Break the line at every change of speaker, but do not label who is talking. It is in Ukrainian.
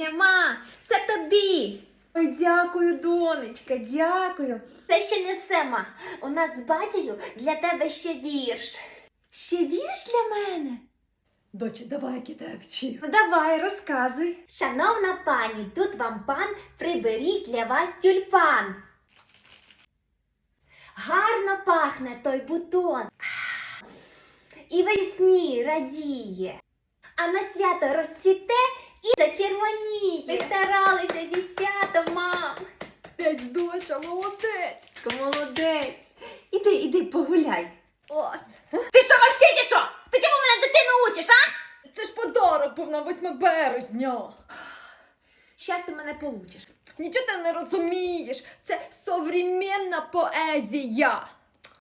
Женя, ма, це тобі. Ой, дякую, донечка, дякую. Це ще не все, ма. У нас з батькою для тебе ще вірш. Ще вірш для мене?
Дочі, давай, я тебе вчив.
Ну, давай, розказуй. Шановна пані, тут вам пан приберіть для вас тюльпан. Гарно пахне той бутон. І весні радіє. А на свято розцвіте і зачервоніє. Ви старалися зі святом, мам.
Молодець, доча, молодець.
Молодець. Іди погуляй.
Ось.
Ти що, вообще чи що? Ти чому мене дитину учиш, а?
Це ж подарок був на 8 березня.
Щас ти мене получиш.
Нічого ти не розумієш. Це современна поезія.